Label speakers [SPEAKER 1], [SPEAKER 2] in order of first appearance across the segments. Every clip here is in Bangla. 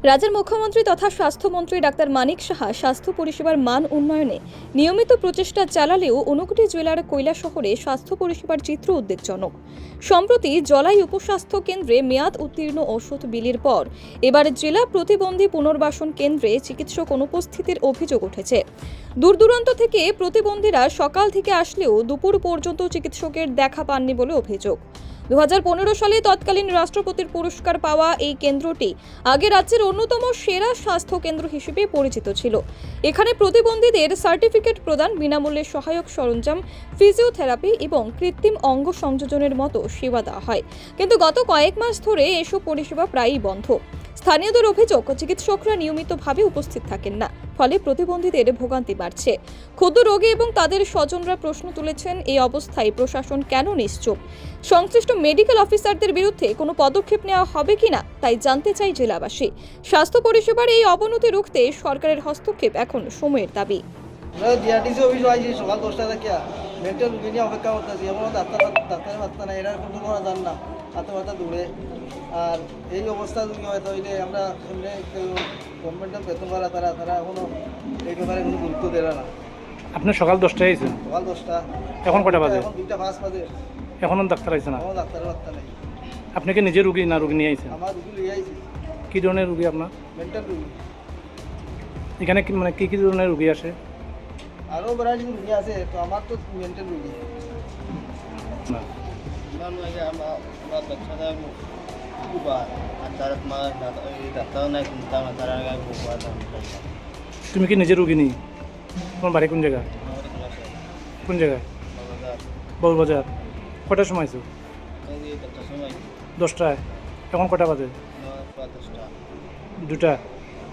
[SPEAKER 1] রাজ্যের মুখ্যমন্ত্রী তথা স্বাস্থ্যমন্ত্রী ডাক্তার মানিক সাহা স্বাস্থ্য পরিষেবার মান উন্নয়নে নিয়মিত প্রচেষ্টা চালালেও ঊনকোটি জেলার কৈলাসহরে স্বাস্থ্য পরিষেবার চিত্র উদ্বেগজনক। সম্প্রতি জলাই উপস্বাস্থ্য কেন্দ্রে মেয়াদ উত্তীর্ণ ওষুধ বিলির পর এবার জেলা প্রতিবন্ধী পুনর্বাসন কেন্দ্রে চিকিৎসক অনুপস্থিতির অভিযোগ উঠেছে। দূর দূরান্ত থেকে প্রতিবন্ধীরা সকাল থেকে আসলেও দুপুর পর্যন্ত চিকিৎসকের দেখা পাননি বলে অভিযোগ। 2015 সালে তৎকালীন রাষ্ট্রপতির পুরস্কার পাওয়া এই কেন্দ্রটি আগে রাজ্যের অন্যতম সেরা স্বাস্থ্য কেন্দ্র হিসেবে পরিচিত ছিল। এখানে প্রতিবন্ধীদের সার্টিফিকেট প্রদান, বিনামূল্যে সহায়ক সরঞ্জাম, ফিজিওথেরাপি এবং কৃত্রিম অঙ্গ সংযোজনের মতো সেবা দেওয়া হয়। কিন্তু গত কয়েক মাস ধরে এসব পরিষেবা প্রায়ই বন্ধ। স্থানীয়দের অভিযোগ, চিকিৎসকরা নিয়মিতভাবে উপস্থিত থাকেন না, ফলে প্রতিবন্ধীদের ভোগান্তি বাড়ছে। ক্ষুদ্র রোগী এবং তাদের স্বজনরা প্রশ্ন তুলেছেন, এই অবস্থায় প্রশাসন কেন নিশ্চুপ? সংশ্লিষ্ট মেডিকেল অফিসারদের বিরুদ্ধে কোনো পদক্ষেপ নেওয়া হবে কিনা তাই জানতে চাই জেলাবাসী। স্বাস্থ্য পরিষেবার এই অবনতি রুখতে সরকারের হস্তক্ষেপ এখন সময়ের দাবি।
[SPEAKER 2] ডিআরটিসি অফিস আইছি সকাল 10টা থেকে মেন্টাল রুগী নিয়ে অপেক্ষা করতেছি। এমন ডাক্তারের বার্তা নাই, এরা কোনো করা যান না, হাতে মাথা দূরে। আর এই অবস্থা যদি হয়তো হইলে আমরা এমনি গভর্নমেন্টের বেতন করা তারা এখনো এই ব্যাপারে কোনো গুরুত্ব দেয় না।
[SPEAKER 3] আপনি সকাল 10টায় আইছেন,
[SPEAKER 2] সকাল 10টা,
[SPEAKER 3] এখন কটা বাজে?
[SPEAKER 2] এখন 2:05 বাজে,
[SPEAKER 3] এখনও ডাক্তার আইছে না?
[SPEAKER 2] কোনো ডাক্তারের বার্তা নেই।
[SPEAKER 3] আপনি কি নিজে রুগী না রুগী নিয়ে আইছেন?
[SPEAKER 2] আমার রুগী লিয়ে আইছি,
[SPEAKER 3] কী ধরনের রুগী আপনার?
[SPEAKER 2] মেন্টাল রুগী।
[SPEAKER 3] এখানে মানে কী ধরনের রুগী আসে?
[SPEAKER 2] আরও ভ্যারাইটি রুগী আছে, তো আমার তো মেন্টাল রুগী।
[SPEAKER 3] না,
[SPEAKER 4] আমার বাচ্চাটা খুব আর তারা তোমার ডাক্তারও নাই, কিন্তু আমার তারা খুব
[SPEAKER 3] তুমি কি নিজে রুগী নি? তোমার বাড়ি কোন জায়গা? কোন জায়গায়? বউবাজার। কটার সময় আইছো? 10টায়। এখন কটা বাজে? 2টা।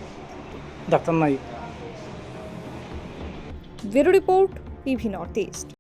[SPEAKER 3] ডাক্তার নাই?
[SPEAKER 1] Bureau report, PV north east.